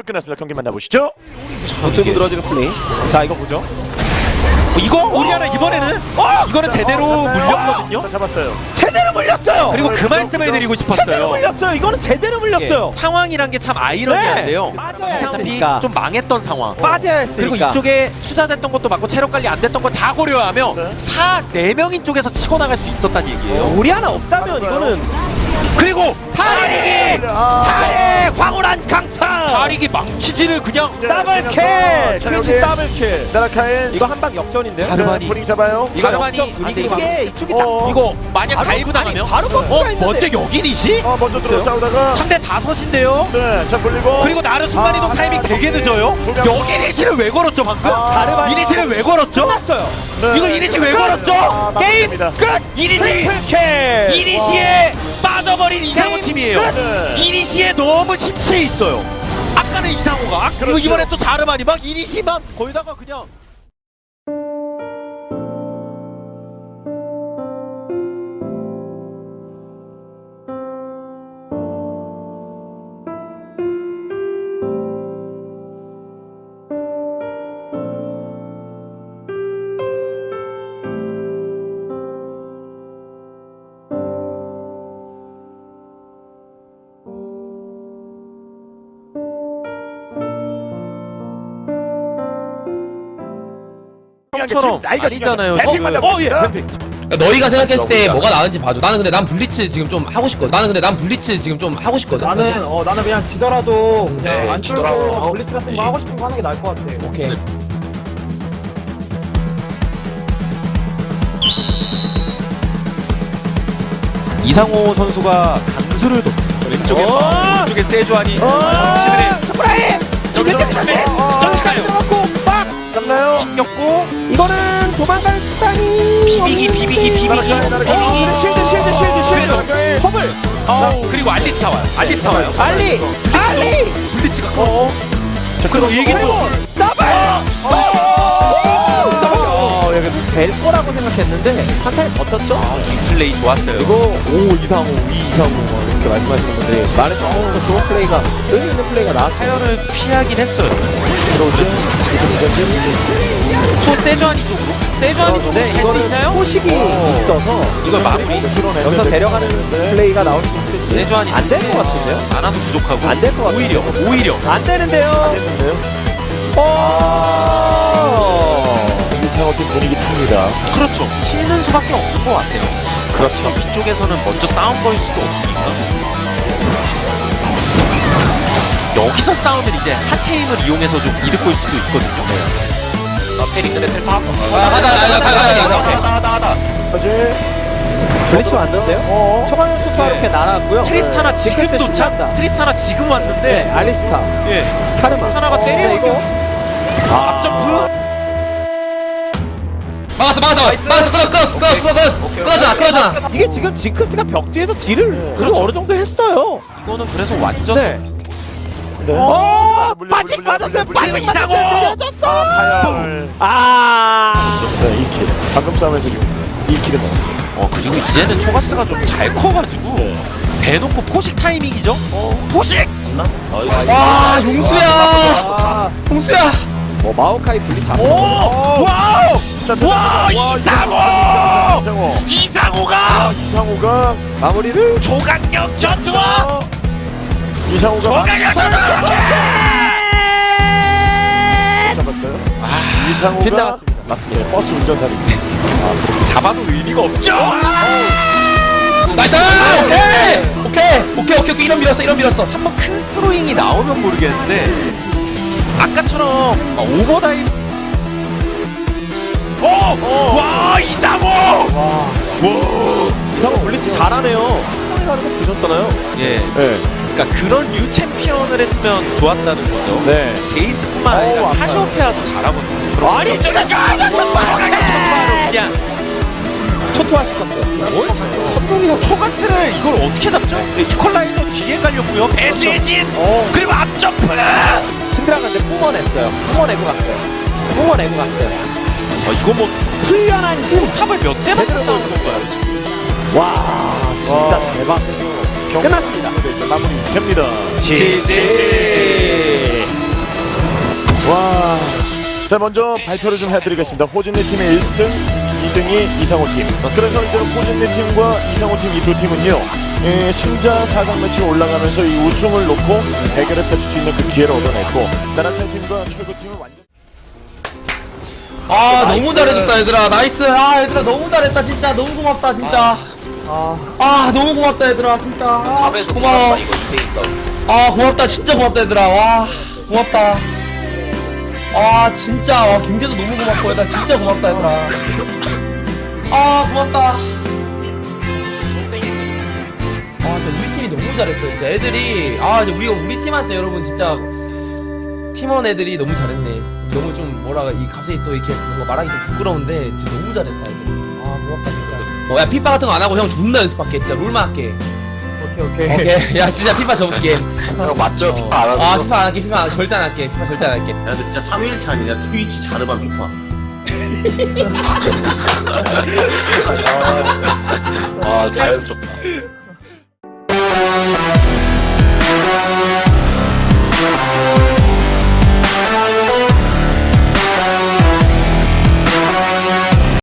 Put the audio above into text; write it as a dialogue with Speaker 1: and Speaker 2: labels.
Speaker 1: 끝났습니다. 경기 만나보시죠.
Speaker 2: 뚫고 들어지는 플레이. 자, 이거 보죠.
Speaker 3: 이거 우리나라 이번에는 이거는 제대로 물렸거든요.
Speaker 1: 자, 잡았어요.
Speaker 2: 제대로 물렸어요.
Speaker 3: 그리고 그 말씀을 드리고
Speaker 2: 제대로
Speaker 3: 싶었어요.
Speaker 2: 물렸어요. 이거는 제대로 물렸어요.
Speaker 3: 상황이란 게 참 아이러니한데요.
Speaker 2: 빠져야
Speaker 3: 이상비
Speaker 2: 했으니까.
Speaker 3: 좀 망했던 상황.
Speaker 2: 빠져야 했으니까.
Speaker 3: 그리고 이쪽에 투자됐던 것도 맞고 체력 관리 안 됐던 거 다 고려하며
Speaker 1: 네.
Speaker 3: 4-4명인 쪽에서 치고 나갈 수 있었다는 얘기예요.
Speaker 2: 우리 하나 없다면 이거는
Speaker 3: 그리고
Speaker 2: 다리기! 다리! 황홀한 강타!
Speaker 3: 다리기 망치질을 그냥
Speaker 2: 더블킬!
Speaker 1: 자,
Speaker 2: 트위치
Speaker 1: 여기.
Speaker 2: 더블킬!
Speaker 1: 나라카인.
Speaker 2: 이거 한방 역전인데요?
Speaker 3: 자르바니.
Speaker 1: 분위기 잡아요.
Speaker 2: 이거
Speaker 3: 자르바니.
Speaker 2: 역전 분위기로
Speaker 3: 아니,
Speaker 2: 이게 이쪽이 딱
Speaker 3: 이거 만약
Speaker 2: 바로-
Speaker 3: 다이브 당하면
Speaker 2: 아니, 바로 버프가 있는데.
Speaker 3: 먼저 여기리시?
Speaker 1: 먼저 들어 싸우다가.
Speaker 3: 상대 5인데요.
Speaker 1: 네, 자 불리고.
Speaker 3: 그리고 나르 순간이동 타이밍 되게 늦어요. 여기 리시를 왜 걸었죠 방금?
Speaker 2: 자르바니.
Speaker 3: 이 리시를 왜 걸었죠?
Speaker 2: 끝났어요!
Speaker 1: 네.
Speaker 3: 이거 이리시 왜 걸었죠?
Speaker 2: 게임
Speaker 1: 맞습니다.
Speaker 2: 끝!
Speaker 3: 이리시!
Speaker 2: 트리플킬!
Speaker 3: 이리시에 빠져버린 이상호 팀이에요.
Speaker 1: 네.
Speaker 3: 이리시에 너무 심취해 있어요. 아까는 이상호가 그리고
Speaker 1: 그렇죠.
Speaker 3: 이번에 또 자르바니 막 이리시만 거기다가 그냥
Speaker 1: 지금 나이가
Speaker 3: 아니잖아요.
Speaker 1: 뱀픽 만나보겠습니다.
Speaker 4: 그러니까 너희가 생각했을 때 뭐가 나은지 봐줘. 나는 근데 난 블리츠 지금 좀 하고 싶거든. 하고 싶거든.
Speaker 5: 나는 그냥 지더라도 그냥
Speaker 4: 네,
Speaker 5: 안
Speaker 4: 지더라도.
Speaker 5: 블리츠 같은 거 하고 싶은 거 하는 게 나을 것 같아.
Speaker 4: 오케이.
Speaker 3: 이상호 선수가 강수를 뒀 왼쪽에 왼쪽에 세주안이 정치를 해.
Speaker 2: 초코라이!
Speaker 3: 쫓아가요.
Speaker 2: 들어갔고 빡!
Speaker 1: 잡나요?
Speaker 3: 튕겼고
Speaker 2: 이거는 도망갈 수단이
Speaker 3: 비비기
Speaker 2: 쉴드 허블
Speaker 3: 그리고 알리스타 와요. 알리스타 와요.
Speaker 2: 알리
Speaker 3: 블리츠가
Speaker 1: 자,
Speaker 3: 그리고 이게 또
Speaker 2: 여기 될 거라고 생각했는데 한 타임 버텼죠?
Speaker 3: 이 플레이 좋았어요.
Speaker 2: 그리고 이상호 이렇게 말씀하시는 분들이 말해서 좋은 플레이가 의미 있는 플레이가 나왔죠.
Speaker 3: 타이어를 피하긴 했어요.
Speaker 1: 들어오죠.
Speaker 3: 소 세주안이 쪽으로? 세주안이 쪽으로
Speaker 2: 네,
Speaker 3: 할 수 있나요?
Speaker 2: 포식이 있어서
Speaker 3: 이걸 마무리?
Speaker 2: 여기서 데려가는 플레이가 나올 수 있을지
Speaker 3: 세주안이
Speaker 2: 안 될 것 같은데요?
Speaker 3: 하나도 부족하고
Speaker 2: 안 될 것 같아요.
Speaker 3: 오히려
Speaker 2: 안 되는데요.
Speaker 1: 이상호팀 분위기 탑니다.
Speaker 3: 그렇죠. 치는 수밖에 없는 것 같아요. 그렇죠. 이쪽에서는 먼저 싸움 걸 수도 없으니까. 여기서 싸우면 이제 하체 힘을 이용해서 좀 이득 볼 수도 있거든요. 페링들의 텔파.
Speaker 4: 가자.
Speaker 1: 어제
Speaker 2: 블리츠 왔는데요? 초반에 초토화 이렇게 날아왔고요.
Speaker 3: 트리스타나 지금
Speaker 2: 징크스
Speaker 3: 도착.
Speaker 2: 신난다.
Speaker 3: 트리스타나 지금
Speaker 2: 네,
Speaker 3: 왔는데.
Speaker 2: 알리스타
Speaker 3: 예.
Speaker 2: 카르마
Speaker 3: 트리스타나가 때리는
Speaker 2: 이거
Speaker 3: 앞점프.
Speaker 4: 끊었잖아.
Speaker 2: 이게 지금 징크스가 벽 뒤에서 딜을 그래도
Speaker 3: 그렇죠.
Speaker 2: 어느 정도 했어요.
Speaker 3: 이거는 그래서 완전
Speaker 2: 네. 빠직 빠졌어요. 빠직
Speaker 3: 이상호!
Speaker 2: 빠졌어요.
Speaker 1: 파열.
Speaker 2: 아.
Speaker 1: 네, 2킬. 방금 싸움에서 지금 2킬을 먹었어요.
Speaker 3: 그리고 이제는 초가스가 좀 잘 커가지고 대놓고 포식 타이밍이죠. 포식.
Speaker 4: 와, 용수야. 용수야.
Speaker 2: 마오카이 블리츠
Speaker 3: 오! 와우!
Speaker 1: 자,
Speaker 3: 와, 이상호!
Speaker 1: 이상호.
Speaker 3: 이상호가
Speaker 1: 이상호가
Speaker 2: 마무리를
Speaker 3: 조각력 전투와
Speaker 1: 이상호가
Speaker 3: 조각력 전투!
Speaker 1: 잡았어요. 이상호가
Speaker 2: 빗나갔습니다. 맞습니다.
Speaker 1: 버스 운전사입니다.
Speaker 3: 잡아도 의미가 없죠.
Speaker 4: 나이스. 오케이. 이런 밀었어.
Speaker 3: 한번 큰 스로잉이 나오면 모르겠는데 아까처럼 오버다이브. 와, 이상호!
Speaker 2: 이상호 블리츠 잘하네요. 형이 가는 거 보셨잖아요.
Speaker 3: 예.
Speaker 1: 네.
Speaker 3: 그러니까 그런 뉴 챔피언을 했으면 좋았다는 거죠.
Speaker 2: 네.
Speaker 3: 제이스뿐만 아니라
Speaker 2: 아파요.
Speaker 3: 카시오페아도 잘하거든요.
Speaker 2: 아니 지금
Speaker 3: 조각력 전투로 그냥
Speaker 2: 초토화 시켰어요.
Speaker 3: 선동이가 초가스를 이걸 어떻게 잡죠? 이퀄라이저 뒤에 깔렸고요. 배수진 그리고 앞점프.
Speaker 2: 신드라가인데 뿜어냈어요. 뿜어내고 갔어요.
Speaker 3: 이거 뭐
Speaker 2: 풀려난 힘.
Speaker 3: 탑을 몇 대나
Speaker 2: 제대로
Speaker 3: 싸우는 건가요? 지금?
Speaker 2: 와 진짜 대박. 끝났습니다.
Speaker 1: 마무리 됩니다.
Speaker 3: 지지.
Speaker 1: 자, 먼저 발표를 좀 해드리겠습니다. 호진리 팀의 1등, 2등이 이상호 팀. 그래서 이제 호진리 팀과 이상호 팀 이 두 팀은요, 승자 4강 매치에 올라가면서 이 우승을 놓고 대결을 펼칠 수 있는 그 기회를 얻어냈고, 나라타이 팀과 철구 팀은 완전.
Speaker 4: 아 너무 잘해줬다 얘들아. 나이스. 아 얘들아 너무 잘했다 진짜. 너무 고맙다 진짜. 아 너무 고맙다 얘들아 진짜. 아, 고마워. 아 고맙다 진짜 고맙다 얘들아. 와 고맙다. 아 진짜 와 경제도 너무 고맙고 얘들아 진짜 고맙다 얘들아. 아 고맙다. 아 진짜 우리 팀이 너무 잘했어 진짜. 애들이 아 이제 우리 팀한테 여러분 진짜 팀원 애들이 너무 잘했네. 너무 좀 뭐라 이 갑자기 또 이렇게 뭔가 말하기 좀 부끄러운데 진짜 너무 잘했다 애들. 아 고맙다 진짜. 야 피파 같은 거 안 하고 형 존나 연습할게 진짜. 롤만 할게. 오케이. 야 진짜 피파 접을게.
Speaker 2: 형 맞죠? 피파 안 하는
Speaker 4: 아
Speaker 2: 거?
Speaker 4: 피파 안 할게. 피파 절대 안 할게. 피파 절대 안 할게.
Speaker 6: 야, 근데 진짜 3일차 아니냐? 트위치 자르반 피파.
Speaker 2: 아 자연스럽다.